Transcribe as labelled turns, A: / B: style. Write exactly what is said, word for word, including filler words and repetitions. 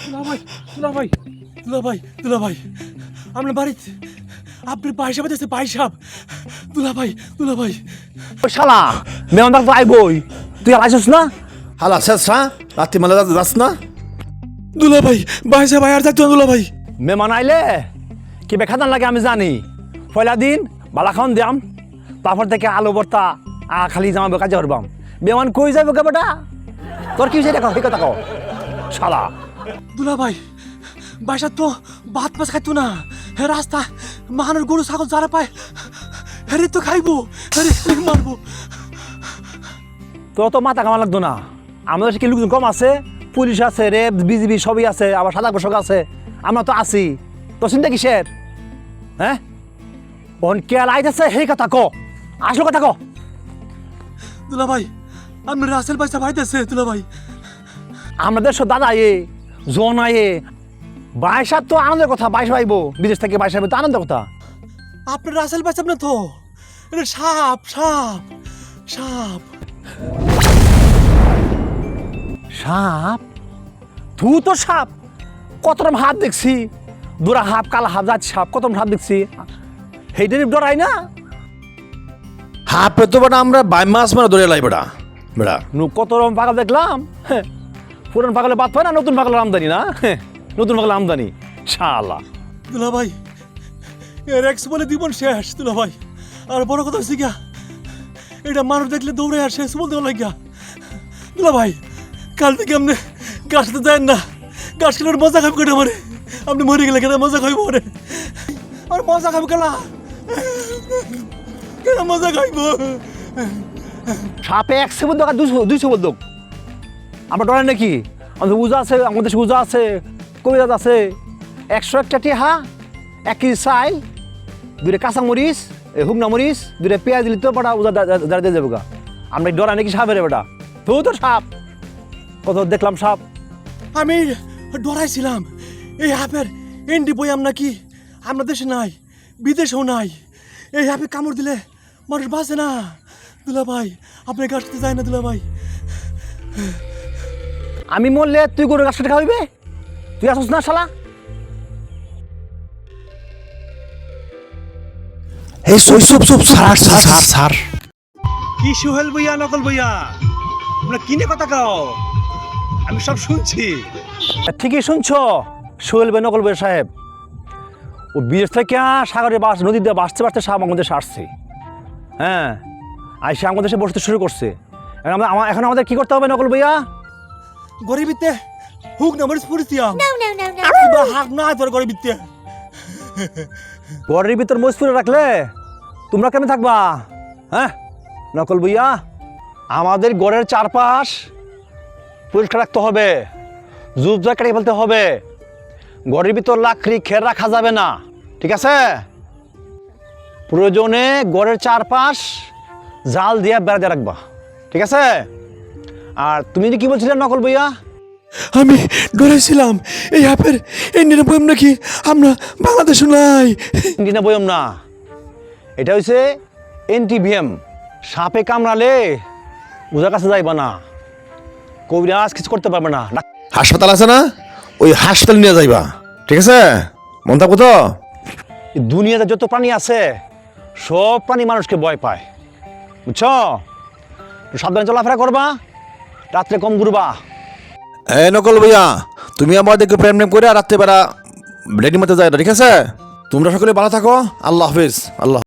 A: দুলাভাই দুলাভাই দুলাভাই দুলাভাই আপনার বাড়িতে আপনি পায়সাব আছে পায়সাব দুলাভাই দুলাভাই
B: ওই শালা মেহমান তো আইবই তুই আর আইসস না
C: হালা শেষ হ্যাঁ রাত্রি মেলা যাস না
A: দুলাভাই পায়সাব আর থাকতো না দুলাভাই
B: মেহমান আইলে কি বেখাদান লাগে আমি জানি পয়লা দিন বালা খাওয়ান দিয়াম তারপর থেকে আলু ভর্তা আ খালি জামাবে কাজে করবাম মেহমান কই যাইব কে বেটা তোর কি হয়েছে দেখো সেই কথা কও শালা
A: দুলাভাই বাসা তো ভাত মাছ খাইতো না হে রাস্তা মাহানোর গরু ছাগল যারা পায় হেরে তো খাইবো হেরে মারবো
B: তোর তো মাথা কামা লাগতো না আমাদের কি লোকজন কম আছে পুলিশ আছে রেপ বিজিবি সবই আছে আবার সাদা পোশাক আছে আমরা তো আছি তো চিন্তা কিসের হ্যাঁ অন কে লাইতেছে সেই কথা ক আসল কথা ক
A: দুলাভাই আপনি রাসেল পয়সা ভাইতেছে দুলাভাই
B: আমাদের সব দাদা এ জন আয়ে বাইশার তো আনন্দের কথা বাইশ পাইব বিদেশ থেকে বাইশ পাইব তো আনন্দের কথা
A: আপনার রাসেল পয়সা না তো এটা সাপ সাপ সাপ
B: সাপ তুই তো সাপ কত রকম হাত দেখছি দুরা হাপ কালা হাপ যাচ্ছে সাপ কত রকম হাত দেখছি সেইটার ডরাই না
C: হাফে তো বেটা আমরা বাই মাস মানে ধরে লাই বেটা বেটা
B: নু কত রকম পাগল দেখলাম হ্যাঁ, পুরান পাগলে বাদ পায় না নতুন পাগলের আমদানি না হ্যাঁ, নতুন পাগলের আমদানি শালা
A: দুলাভাই এর এক্স বলে জীবন শেষ দুলাভাই আর বড় কথা হচ্ছে গিয়া এটা মানুষ দেখলে দৌড়ে আর শেষ বলতে লাগিয়া দুলাভাই কাল থেকে আপনি গাছ তো দেন না গাছ খেলে মজা খাবি কেটে মারে আপনি মরে গেলে কেন মজা খাইব মরে আর মজা খাবি কেলা কেন মজা খাইব
B: সাপে একশো বলতো আর দুইশো দুইশো বলতো আমরা ডরাই নাকি আমাদের উজা আছে আমাদের দেশে উজা আছে কবিরাজ আছে একশো একটা টিহা এক কেজি চাইল দুইটা কাঁচা মরিচ হুকনা মরিচ দুইটা পেঁয়াজ দিলি তো বেটা উজা দাঁড়িয়ে দিয়ে যাবো গা আমরা ডরাই নাকি সাপের বেটা তো তো সাপ কত দেখলাম সাপ
A: আমি ডরাইছিলাম এই হাফের এন্ডি বইয়াম নাকি আমরা দেশে নাই বিদেশেও নাই এই হাফে কামড় দিলে মানুষ বাঁচে না দুলাভাই আপনার গাছতে যায় না দুলাভাই
B: আমি মরলে তুই গরুর গাছটা খাওয়াইবে তুই আসছ না শালা
C: এই সই সব সব সার সার সার সার
A: কি সোহেল বইয়া নকল বইয়া তোমরা কিনে কথা কাও আমি সব শুনছি
B: ঠিকই শুনছ সোহেল বে নকল বে সাহেব ও বিদেশ থেকে সাগরে বাস নদীতে বাঁচতে বাঁচতে সাপ আমাদের দেশে আসছে হ্যাঁ আইসে আমাদের দেশে বসতে শুরু করছে এখন আমরা আমা- এখন আমাদের কি করতে হবে নকল ভাইয়া
A: গরিবিতে হুক না মরিস পুরিছিয়াম বা হাক না তোর গরিবিতে
B: ঘরের ভিতর মজপুরে রাখলে তোমরা কেমন থাকবা হ্যাঁ নকল ভাইয়া আমাদের ঘরের চারপাশ পরিষ্কার রাখতে হবে জুপ জয় কাটিয়ে ফেলতে হবে ঘরের ভিতর লাকড়ি খের রাখা যাবে না ঠিক আছে প্রয়োজনে ঘরের চারপাশ জাল দিয়ে বেড়া দিয়ে রাখবা ঠিক আছে আর তুমি কি বলছিলে নকল ভাইয়া
A: আমি ডরাইছিলাম এই হাফের এন্ডিনে বইয়াম নাকি আমরা বাংলাদেশে নাই
B: না বইম না এটা হচ্ছে এনটিভিএম সাপে কামড়ালে ওজার কাছে যাইবা না কবিরাজ কিছু করতে পারবে না
C: হাসপাতাল আছে না ওই হাসপাতাল নিয়ে যাইবা ঠিক আছে মন থাকবো তো
B: এই দুনিয়াতে যত প্রাণী আছে সব প্রাণী মানুষকে ভয় পায় বুঝছ একটু সাবধানে চলাফেরা করবা রাত্রে কম ঘুরবা
C: এই নকল ভাইয়া তুমি আমার দেখে প্রেম প্রেম করে আর রাত্রেবেলা রেডি মতো যায় না ঠিক আছে তোমরা সকলে ভালো থাকো আল্লাহ হাফিজ আল্লাহ